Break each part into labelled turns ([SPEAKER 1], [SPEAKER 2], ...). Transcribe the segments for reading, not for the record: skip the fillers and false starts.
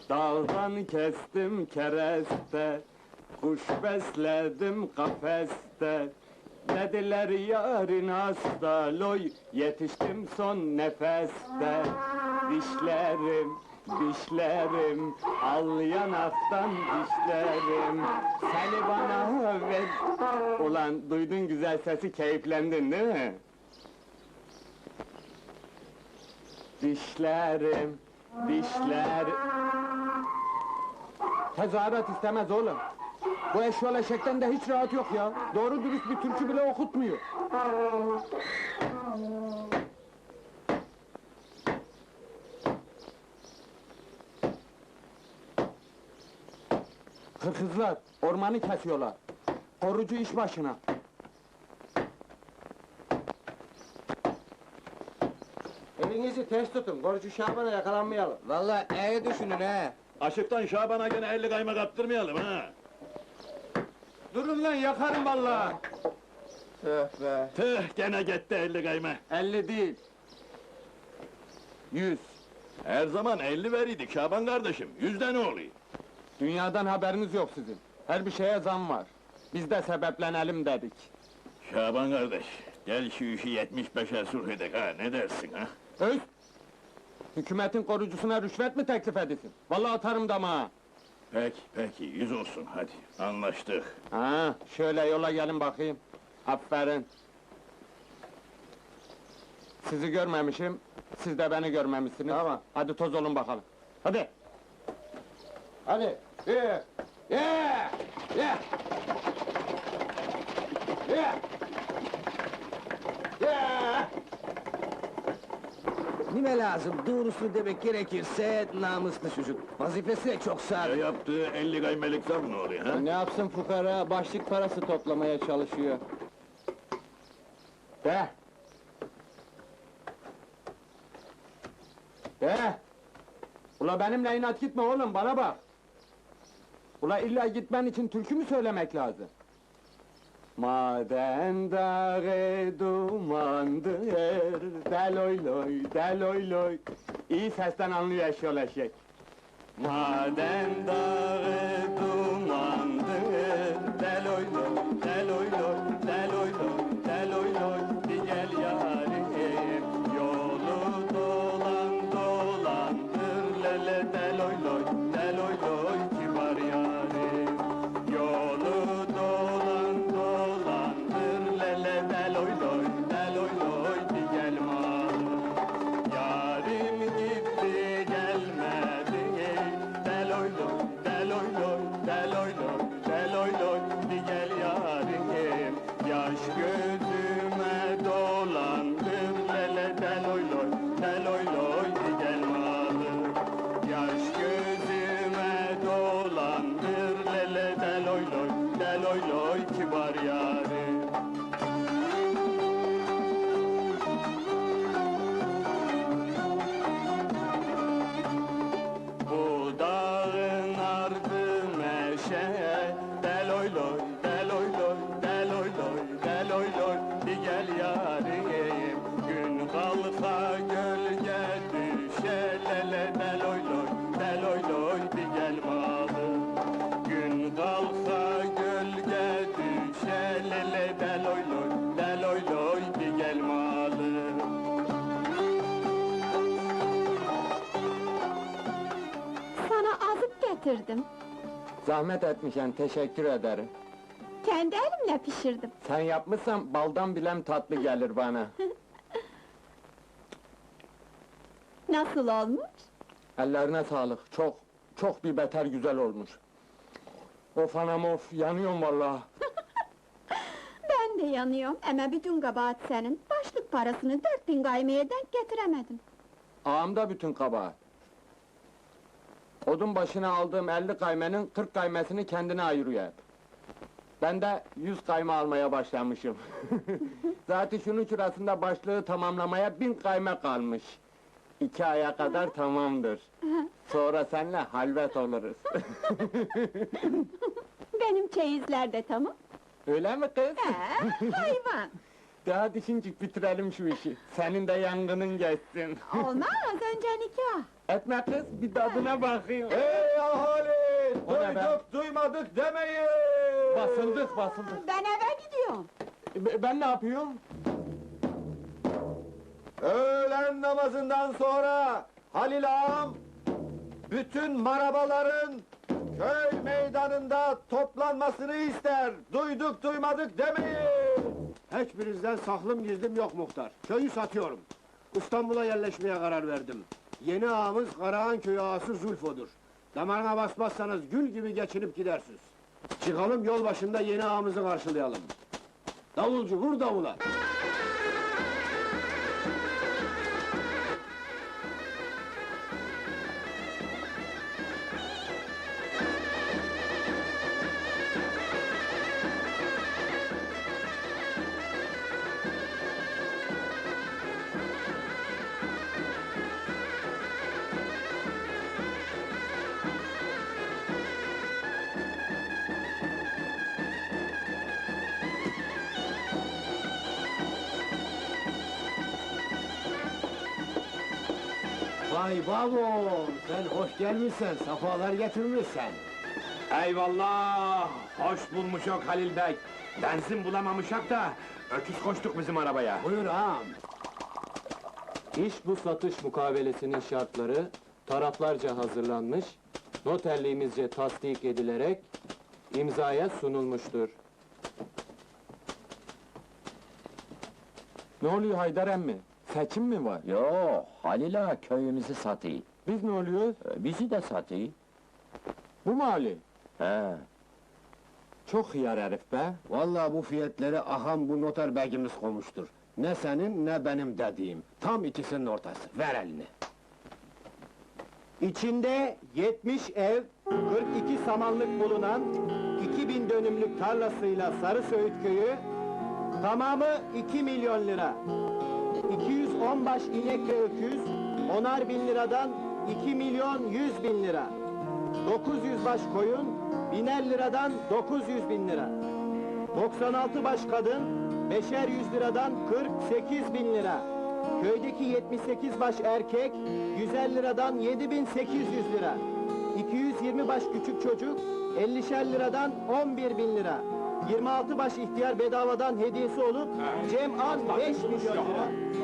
[SPEAKER 1] Dağdan kestim kereste, kuş besledim kafeste. Dediler yarın hasta, loy, yetiştim son nefeste. Dişlerim, dişlerim, al yanaktan dişlerim. Seni bana ver. Ulan duydun güzel sesi, keyiflendin değil mi? Dişlerim, dişler... Tezahürat istemez oğlum. Bu eşyol eşekten de hiç rahat yok ya. Doğru dürüst bir türkü bile okutmuyor. Hırkızlar, ormanı kesiyorlar. Korucu iş başına.
[SPEAKER 2] Elinizi ters tutun, korucu Şaban'a yakalanmayalım.
[SPEAKER 3] Vallahi iyi düşünün he.
[SPEAKER 4] Aşıktan Şaban'a gene 50 kayma kaptırmayalım ha!
[SPEAKER 1] Durun lan, yakarım vallahi.
[SPEAKER 3] Tüh be.
[SPEAKER 4] Tüh, gene gitti 50 kayma!
[SPEAKER 1] 50 değil. 100.
[SPEAKER 4] Her zaman 50 veriydik Şaban kardeşim, 100'de ne oluyor?
[SPEAKER 1] Dünyadan haberiniz yok sizin. Her bir şeye zam var. Biz de sebeplenelim dedik.
[SPEAKER 4] Şaban kardeş, gel şu işi 75'e sulh edek ha, ne dersin ha?
[SPEAKER 1] Öz! Hükümetin korucusuna rüşvet mi teklif edesin? Vallahi atarım damağa!
[SPEAKER 4] Peki, 100 olsun hadi, anlaştık.
[SPEAKER 1] Ha, şöyle yola gelin bakayım. Aferin. Sizi görmemişim, siz de beni görmemişsiniz.
[SPEAKER 2] Tamam.
[SPEAKER 1] Hadi toz olun bakalım. Hadi!
[SPEAKER 2] Hadi, bir,
[SPEAKER 1] Yeah! Yeah! Yeah! Yeah!
[SPEAKER 3] Nime lazım, doğrusunu demek gerekirse namuslu çocuk. Vazifesi de çok sadık.
[SPEAKER 4] Yaptığı 50 kaymelik zam ne oluyor ha?
[SPEAKER 1] Ne yapsın fukara, başlık parası toplamaya çalışıyor. De! De! Ula benimle inat gitme oğlum, bana bak! Ula illa gitmen için türkü mü söylemek lazım? Maden dağı dumandır, deloy loy, deloy loy. İyi sesten anlıyor eşyol eşek. Maden dağı dumandır, deloy loy, deloy loy, deloy loy, deloy loy. Bir gel yarim, yolu dolan dolandır, lele deloy loy, deloy loy, kibar yarim. Yolu dolan dolandır, lele deloy loy, deloy loy, bir gel malım. Yarim gitti gelmedi, deloy loy, deloy loy, deloy loy, deloy loy, bir gel yarim. Yaş gözüme dolandır, lele deloy loy, deloy loy, bir gel malım. Yaş gözüme dolandır, lele deloy loy, deloy loy, kibar yarim. Bu dağın ardı meşe, deloy loy, deloy loy, deloy loy, deloy loy, bir gel yarim. Gün kalka gölge düşe, lele deloy loy, deloy loy, bir gel malım. Gün kalka gölge düşe, lele deloy loy, deloy loy, bir gel malım.
[SPEAKER 5] Sana azık getirdim.
[SPEAKER 1] Zahmet etmişen, teşekkür ederim.
[SPEAKER 5] Kendi elimle pişirdim.
[SPEAKER 1] Sen yapmışsan baldan bilem tatlı gelir bana.
[SPEAKER 5] Nasıl olmuş?
[SPEAKER 1] Ellerine sağlık, çok bir beter güzel olmuş. Of anam of, yanıyorum vallahi.
[SPEAKER 5] Ben de yanıyorum ama bütün kabahat senin. Başlık parasını 4000 gaymeye denk getiremedim.
[SPEAKER 1] Ağamda bütün kabahat. Odun başına aldığım 50 kaymenin 40 kaymesini kendine ayırıyor hep. Ben de 100 kayma almaya başlamışım. Zaten şunun şurasında başlığı tamamlamaya 1000 kayme kalmış. 2 aya kadar tamamdır. Sonra seninle halvet oluruz.
[SPEAKER 5] Benim çeyizler de tamam.
[SPEAKER 1] Öyle mi kız?
[SPEAKER 5] Hayvan!
[SPEAKER 1] Daha düşüncük bitirelim şu işi. Senin de yangının geçsin.
[SPEAKER 5] Olmaz, önce nikah.
[SPEAKER 1] Etme kız, bir tadına bakayım.
[SPEAKER 2] Ey ahali!
[SPEAKER 1] O ne be?
[SPEAKER 2] Duyduk duymadık demeyin!
[SPEAKER 1] Basıldık, basıldık.
[SPEAKER 5] Ben eve gidiyorum.
[SPEAKER 1] Ben ne yapıyorum?
[SPEAKER 2] Öğlen namazından sonra Halil ağam bütün marabaların köy meydanında toplanmasını ister. Duyduk duymadık demeyin. Hiçbirinizden saklım gizlim yok muhtar. Köyü satıyorum. İstanbul'a yerleşmeye karar verdim. Yeni ağamız Karahan köyü ağası Zulfo'dur. Damarına basmazsanız gül gibi geçinip gidersiniz. Çıkalım yol başında yeni ağamızı karşılayalım. Davulcu vur davula. Vay babam, sen hoş gelmişsen, safalar getirmişsen.
[SPEAKER 6] Eyvallah! Hoş bulmuşok Halil Bey. Benzin bulamamışak da öküz koştuk bizim arabaya.
[SPEAKER 2] Buyur ağam.
[SPEAKER 7] İş bu satış mukabelesinin şartları taraflarca hazırlanmış, noterliğimizce tasdik edilerek imzaya sunulmuştur.
[SPEAKER 1] Ne oluyor Haydar emmi? Seçim mi var?
[SPEAKER 8] Yo, Halil ağa köyümüzü satıyor.
[SPEAKER 1] Biz ne oluyoruz?
[SPEAKER 8] Bizi de satıyor.
[SPEAKER 1] Bu mu Ali?
[SPEAKER 8] He.
[SPEAKER 1] Çok hıyar herif be.
[SPEAKER 2] Vallahi bu fiyatları aham bu noter begimiz koymuştur. Ne senin ne benim dediğim. Tam ikisinin ortası. Ver elini.
[SPEAKER 9] İçinde 70 ev, 42 samanlık bulunan 2000 dönümlük tarlasıyla Sarısöğüt köyü, tamamı 2 milyon lira. 210 baş inek ve öküz, 10'ar bin liradan 2 milyon 100 bin lira. 900 baş koyun, 1000'er liradan 900 bin lira. 96 baş kadın, 5'er 100 liradan 48 bin lira. Köydeki 78 baş erkek, 150 liradan 7800 lira. 220 baş küçük çocuk, 50'şer liradan 11 bin lira. 26 baş ihtiyar bedavadan hediyesi olup, cem'an 5 milyon lira.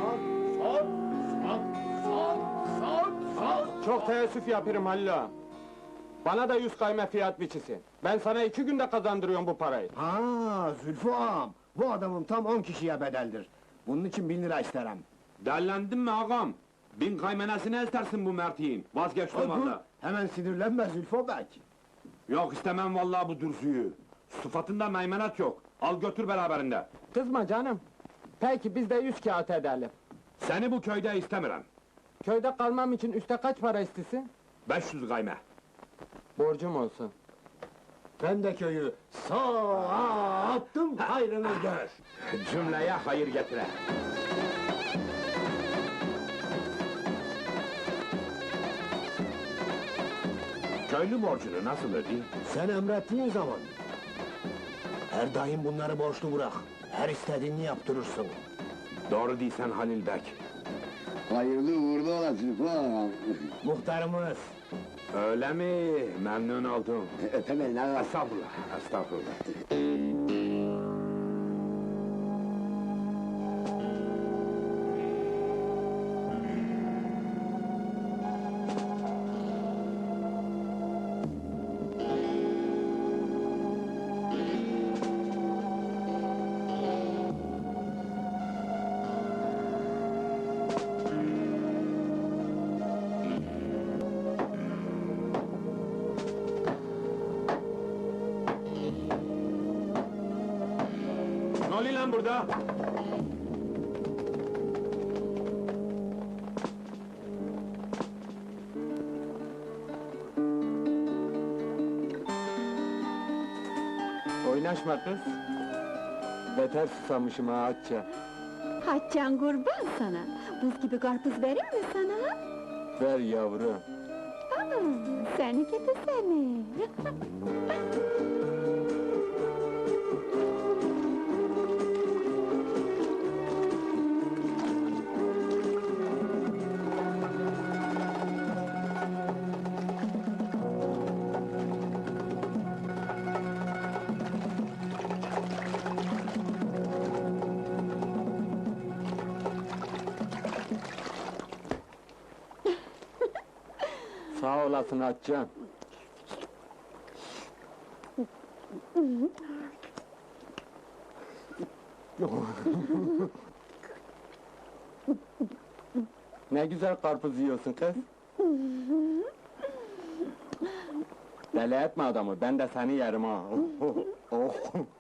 [SPEAKER 1] Çok teessüf yapıyorum Halil ağa. Bana da 100 kayme fiyat biçisin. Ben sana 2 günde kazandırıyorum bu parayı.
[SPEAKER 2] Ha, Zülfü ağam. Bu adamım tam 10 kişiye bedeldir. Bunun için 1000 lira isterim.
[SPEAKER 6] Derlendin mi ağam? 1000 kaymenesini istersin bu mertiğin. Vazgeçtim
[SPEAKER 2] Dur,
[SPEAKER 6] valla.
[SPEAKER 2] hemen sinirlenme Zülfü bey.
[SPEAKER 6] Yok istemem vallahi bu dürüzüyü. Sıfatında meymenet yok. Al götür beraberinde.
[SPEAKER 1] Kızma canım. Peki biz de 100 kağıt edelim.
[SPEAKER 6] Seni bu köyde istemiyorum.
[SPEAKER 1] Köyde kalmam için üste kaç para istesin?
[SPEAKER 6] 500 kayme.
[SPEAKER 1] Borcum olsun.
[SPEAKER 2] Ben de köyü sağa attım, hayrını gör.
[SPEAKER 6] Cümleye hayır getire. Köylü borcunu nasıl ödeyeyim?
[SPEAKER 2] Sen emrettiğin zaman. Her daim bunları borçlu bırak. Her istediğini yaptırırsın.
[SPEAKER 6] Doğru değilsen Halil Bek.
[SPEAKER 10] Hayırlı uğurlu olasın falan.
[SPEAKER 2] Muhtarımız.
[SPEAKER 6] Öyle mi? Memnun oldum.
[SPEAKER 10] Öpemem lan.
[SPEAKER 6] Estağfurullah, estağfurullah. Ne oluyor lan burada?
[SPEAKER 1] Oynaşma kız. Beter susamışım ha Hatice.
[SPEAKER 5] Haçan kurban sana. Buz gibi karpuz verir mi sana?
[SPEAKER 1] Ver yavrum.
[SPEAKER 5] Aa, seni gidi seni.
[SPEAKER 7] Sağ olasın Hatice'm. Ne güzel karpuz yiyorsun kız. Deli etme adamı, ben de seni yerim ha. Oh.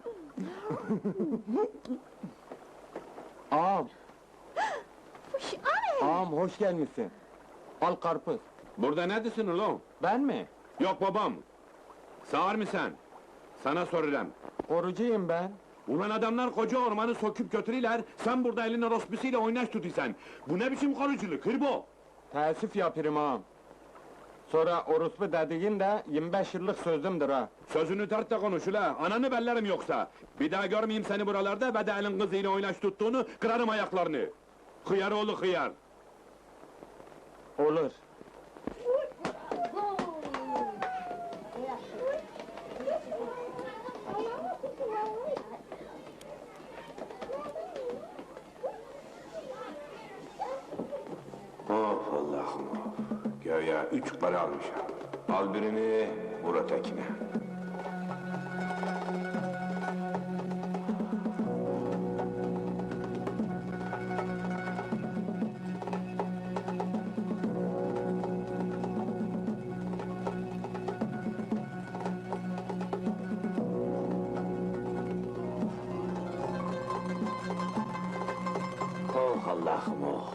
[SPEAKER 7] Ağam,
[SPEAKER 5] Fış, anne!
[SPEAKER 7] ağam hoş gelmişsin. Al karpuz.
[SPEAKER 6] Burada neredesin ulan?
[SPEAKER 7] Ben mi?
[SPEAKER 6] Yok babam. Sağır mısın? Sana soruyorum.
[SPEAKER 7] Korucuyum ben.
[SPEAKER 6] Ulan adamlar koca ormanı söküp götürürler, sen burada elin orospisiyle oynaş tutuyorsun. Bu ne biçim koruculuk, hırbo?
[SPEAKER 7] Teessüf yapırım ağam. Sonra orospu dediğin de 25 yıllık sözümdür ha.
[SPEAKER 6] Sözünü tart da konuş ula, ananı bellerim yoksa. Bir daha görmeyeyim seni buralarda ve de elin kızıyla oynaş tuttuğunu, kırarım ayaklarını. Hıyar oğlu hıyar.
[SPEAKER 7] Olur.
[SPEAKER 6] Of Allah'ım of! Göya 3 para almışım. Al birini, vur ötekine. Oh Allah'ım oh!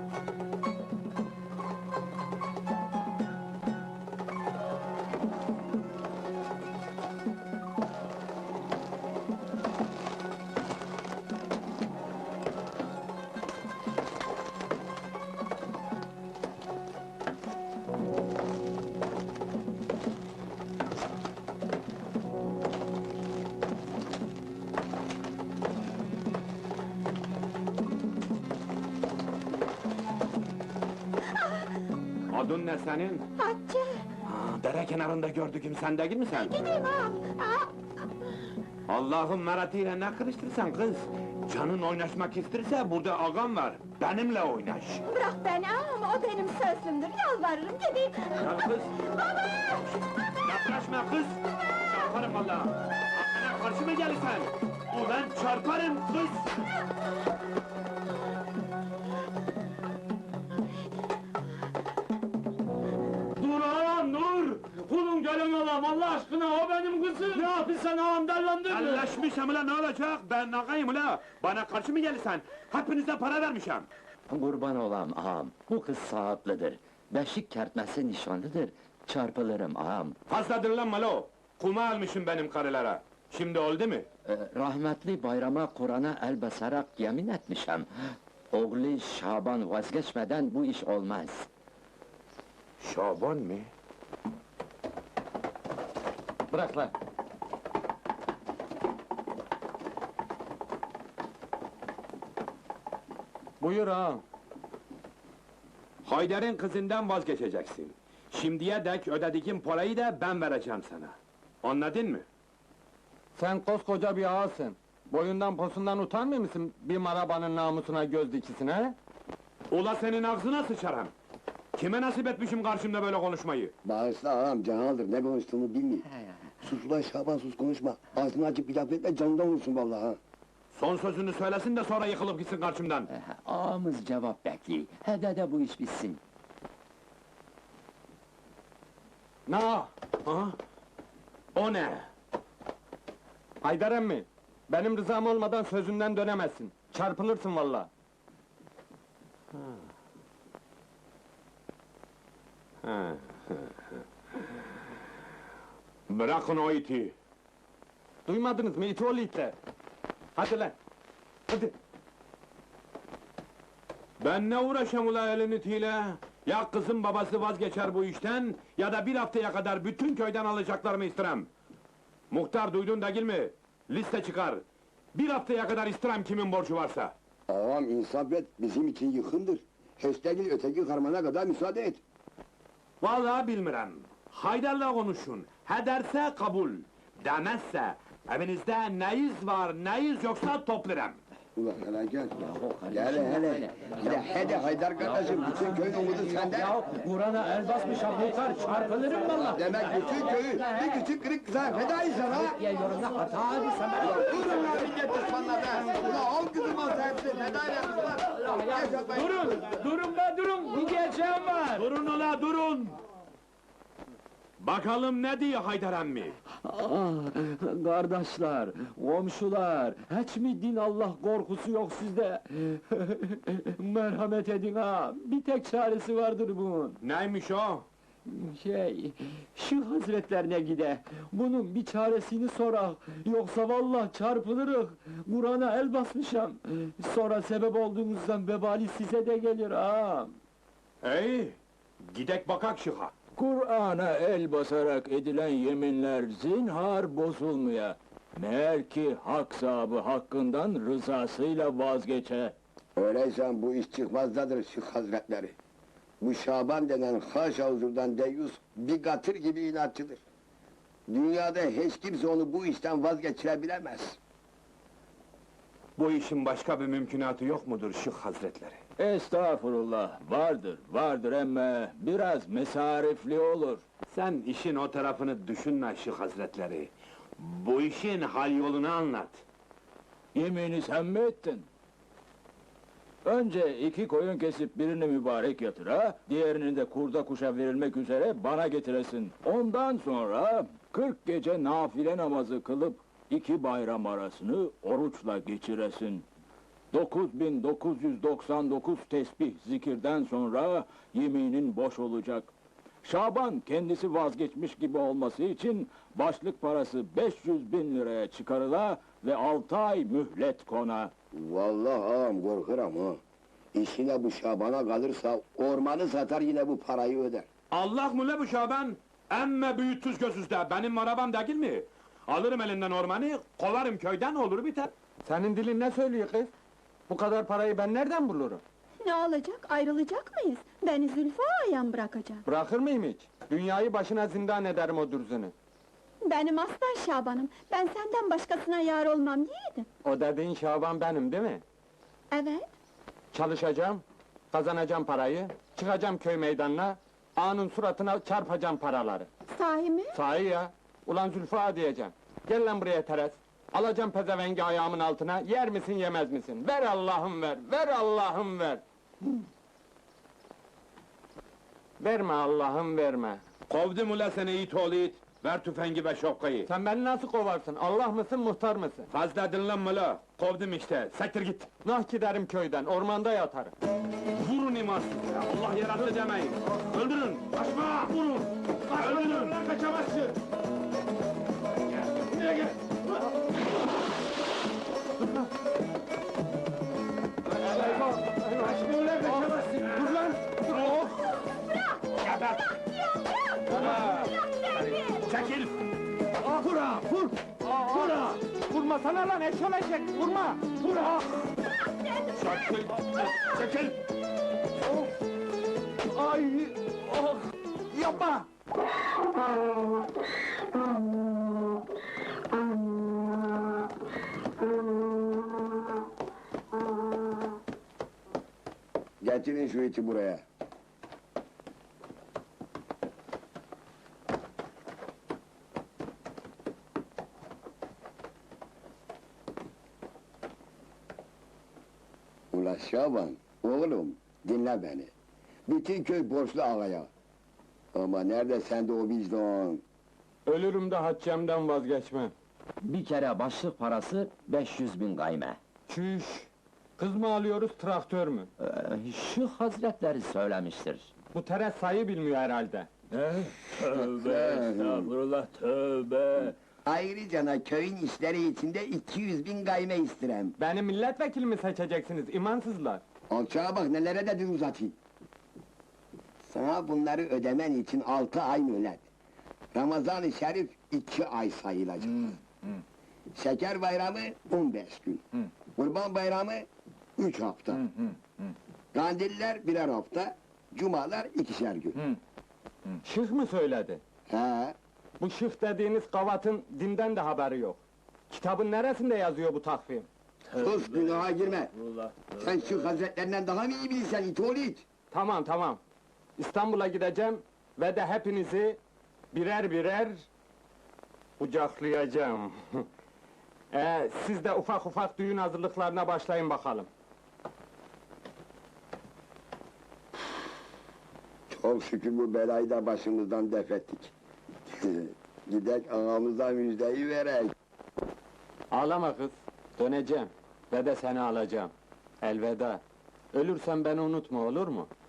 [SPEAKER 6] Adın ne senin?
[SPEAKER 5] Hatice!
[SPEAKER 6] Dere kenarında gördüğüm sen değil mi sen?
[SPEAKER 5] Gideyim ağam!
[SPEAKER 6] Allah'ım meratiyle ne kırıştırsan kız? Canın oynaşmak isterse burada ağam var. Benimle oynaş.
[SPEAKER 5] Bırak beni ağam, o benim sözlümdür, yalvarırım gideyim!
[SPEAKER 6] Gel kız. Yaklaşma kız. Çarparım valla. Aklına karşı mı gelirsen? Ulan çarparım kız.
[SPEAKER 1] Dur ağam dur! Kulun gelin ağam Allah aşkına o benim kızım! Ne yapıyorsun ağam dellendir mi?
[SPEAKER 6] Elleşmişim ulan ne olacak? Ben ağayım ula. Bana karşı mı gelirsen? Hepinize para vermişim.
[SPEAKER 8] Kurban olam ağam, bu kız saatlidir. Beşik kertmesi nişanlıdır. Çarpılırım ağam.
[SPEAKER 6] Fazladır lan malo. Kuma almışım benim karılara. Şimdi oldu mu?
[SPEAKER 8] Rahmetli bayrama Kur'an'a el basarak yemin etmişem. Oğlu Şaban vazgeçmeden bu iş olmaz.
[SPEAKER 6] Şaban mı?
[SPEAKER 7] Bırak lan. Buyur ağam.
[SPEAKER 6] Haydar'ın kızından vazgeçeceksin. Şimdiye dek ödediğim parayı da ben vereceğim sana. Anladın mı?
[SPEAKER 7] Sen koskoca bir ağasın. Boyundan posundan utanmıyor musun bir marabanın namusuna göz dikisine he?
[SPEAKER 6] Ula senin ağzına sıçarım. Kime nasip etmişim karşımda böyle konuşmayı?
[SPEAKER 10] Bağışla ağam, canaldır, ne konuştuğunu bilmiyor. Sus ulan Şaban, sus konuşma. Ağzını açıp bir laf etme, canından vursun vallahi ha.
[SPEAKER 6] Son sözünü söylesin de sonra yıkılıp gitsin karşımdan.
[SPEAKER 8] Ağamız cevap bekliyor. Hede de bu iş bitsin.
[SPEAKER 6] Ne? Ha? O ne?
[SPEAKER 7] Haydar emmi, benim rızam olmadan sözünden dönemezsin. Çarpılırsın vallahi.
[SPEAKER 6] Bırakın o iti.
[SPEAKER 7] Duymadınız mı iti oğlu itler? Hadi lan, hadi.
[SPEAKER 6] Ben ne uğraşam ula elin itiyle? Ya kızın babası vazgeçer bu işten, ya da bir haftaya kadar bütün köyden alacaklarımı istirem. Muhtar duydun değil mi? Liste çıkar. Bir haftaya kadar istirem kimin borcu varsa.
[SPEAKER 10] Ağam insaf et, bizim için yıkımdır. Hestegil öteki karmana kadar müsaade et.
[SPEAKER 6] Vallahi bilmirem. Haydar'la konuşun. He derse kabul. Demezse evinizde neyiz var neyiz yoksa toplarım.
[SPEAKER 10] Ulan hele gel.
[SPEAKER 8] Yahu
[SPEAKER 10] Gel
[SPEAKER 8] kardeşim,
[SPEAKER 10] hele. Hadi Haydar kardeşim, bütün köyün umudu sende.
[SPEAKER 8] Ya Kur'an'a el basmışam Muhtar, çarpılırım valla.
[SPEAKER 10] Demek bütün köyü bir küçük kırık kıza fedayız sana.
[SPEAKER 8] Ya yorumda hata abi sen bana.
[SPEAKER 10] Durun lan millet düşmanları. Ulan al kızım al hepsi feda edin.
[SPEAKER 6] Durun be durun, bir diyeceğim var. Durun ola durun. Bakalım ne diyor Haydar emmi?
[SPEAKER 8] Ah, kardeşler, komşular, hiç mi din Allah korkusu yok sizde? Merhamet edin ha, bir tek çaresi vardır bunun.
[SPEAKER 6] Neymiş o?
[SPEAKER 8] Şu hazretlerine gide, bunun bir çaresini sorak, yoksa vallahi çarpılırız. Kur'an'a el basmışam, sonra sebep olduğunuzdan vebali size de gelir ha.
[SPEAKER 6] Ey, gidek bakak şıha.
[SPEAKER 4] Kur'an'a el basarak edilen yeminler zinhar bozulmaya. Meğer ki hak sahibi hakkından rızasıyla vazgeçe.
[SPEAKER 10] Öyleyse bu iş çıkmazdadır Şık Hazretleri. Bu Şaban denen haşa huzurdan deyyus bir katır gibi inatçıdır. Dünyada hiç kimse onu bu işten vazgeçirebilemez.
[SPEAKER 6] Bu işin başka bir mümkünatı yok mudur Şık Hazretleri?
[SPEAKER 4] Estağfurullah, vardır emme biraz mesarifli olur.
[SPEAKER 6] Sen işin o tarafını düşünme Şık Hazretleri. Bu işin hal yolunu anlat.
[SPEAKER 4] Yemini sen mi ettin? Önce 2 koyun kesip birini mübarek yatıra, diğerini de kurda kuşa verilmek üzere bana getiresin. Ondan sonra 40 gece nafile namazı kılıp 2 bayram arasını oruçla geçiresin. 9999 tesbih zikirden sonra yeminin boş olacak. Şaban kendisi vazgeçmiş gibi olması için başlık parası 500.000 liraya çıkarıla ve 6 ay mühlet kona.
[SPEAKER 10] Vallahi ağam korkuram ha. İşine bu Şaban'a kalırsa ormanı satar yine bu parayı öder.
[SPEAKER 6] Allah mı le bu Şaban? Emme büyütsüz gözüzde, benim arabam değil mi? Alırım elinden ormanı, kovarım köyden olur biter.
[SPEAKER 7] Senin dilin ne söylüyor kız? Bu kadar parayı ben nereden bulurum?
[SPEAKER 5] Ne olacak, ayrılacak mıyız? Beni Zülfü ağayan bırakacak.
[SPEAKER 7] Bırakır mıyım hiç? Dünyayı başına zindan ederim o dürzünü.
[SPEAKER 5] Benim aslan Şaban'ım, ben senden başkasına yar olmam yiğidim.
[SPEAKER 7] O dediğin Şaban benim değil mi?
[SPEAKER 5] Evet,
[SPEAKER 7] Çalışacağım, kazanacağım parayı, çıkacağım köy meydanına, ağanın suratına çarpacağım paraları.
[SPEAKER 5] sahi mi?
[SPEAKER 7] Sahi ya, ulan Zülfü ağa diyeceğim. Gel lan buraya Teres. Alacağım pezevengi ayağımın altına, yer misin yemez misin? Ver Allah'ım ver, ver Allah'ım ver! Verme Allah'ım verme!
[SPEAKER 6] Kovdum ula seni it oğlu it, ver tüfengi ve şapkayı.
[SPEAKER 7] Sen beni nasıl kovarsın? Allah mısın, muhtar mısın?
[SPEAKER 6] Fazla dinlenme la, kovdum işte, sektir git.
[SPEAKER 7] Nah giderim köyden, ormanda yatarım.
[SPEAKER 6] Vurun imansız ya, Allah yarattı demeyin. Öldürün, kaçma, vurun! Öldürün, kaçamazsın! Buraya gel! Kaçma ulan, kaçamazsın! Dur lan! Dur! Oh! Geber! Çekil!
[SPEAKER 7] Vura, vur! Vura! Vurma sana lan, eşolecek, vurma! Vura!
[SPEAKER 6] Çekil! Çekil!
[SPEAKER 7] Ay! Oh! Yapma!
[SPEAKER 10] Getirin şu iti buraya. Ula Şaban, oğlum dinle beni. Bütün köy borçlu ağaya. Ama nerede sende o vicdan?
[SPEAKER 7] Ölürüm de haccemden vazgeçmem.
[SPEAKER 8] Bir kere başlık parası 500.000 gayme.
[SPEAKER 7] Çüş! Kız mı alıyoruz, traktör mü?
[SPEAKER 8] Şu hazretleri söylemiştir.
[SPEAKER 7] Bu Teres sayı bilmiyor herhalde.
[SPEAKER 4] Tövbe estağfurullah, tövbe!
[SPEAKER 10] Ayrıca köyün işleri içinde 200.000 gayme istirem.
[SPEAKER 7] Beni milletvekili mi seçeceksiniz, imansızlar?
[SPEAKER 10] Alçağa bak nelere de dil uzatayım. Sana bunları ödemen için 6 ay mühlet. Ramazan-ı Şerif 2 ay sayılacak. Şeker bayramı 15 gün. Kurban bayramı 3 hafta. Kandiller 1'er hafta. Cumalar 2'şer gün.
[SPEAKER 7] Şıh mı söyledi?
[SPEAKER 10] He,
[SPEAKER 7] Bu şıh dediğiniz kavatın dinden de haberi yok. Kitabın neresinde yazıyor bu takvim?
[SPEAKER 10] Sus, günaha girme!
[SPEAKER 8] Allah.
[SPEAKER 10] Sen şu hazretlerinden daha mı iyi bilirsen it oğlu it?
[SPEAKER 7] Tamam tamam. İstanbul'a gideceğim ve de hepinizi birer birer kucaklayacağım. Siz de ufak ufak düğün hazırlıklarına başlayın bakalım.
[SPEAKER 10] Çok şükür bu belayı da başımızdan def ettik. Gidek ağamıza müjdeyi verek.
[SPEAKER 7] Ağlama kız, döneceğim ve de seni alacağım. Elveda. Ölürsem beni unutma, olur mu?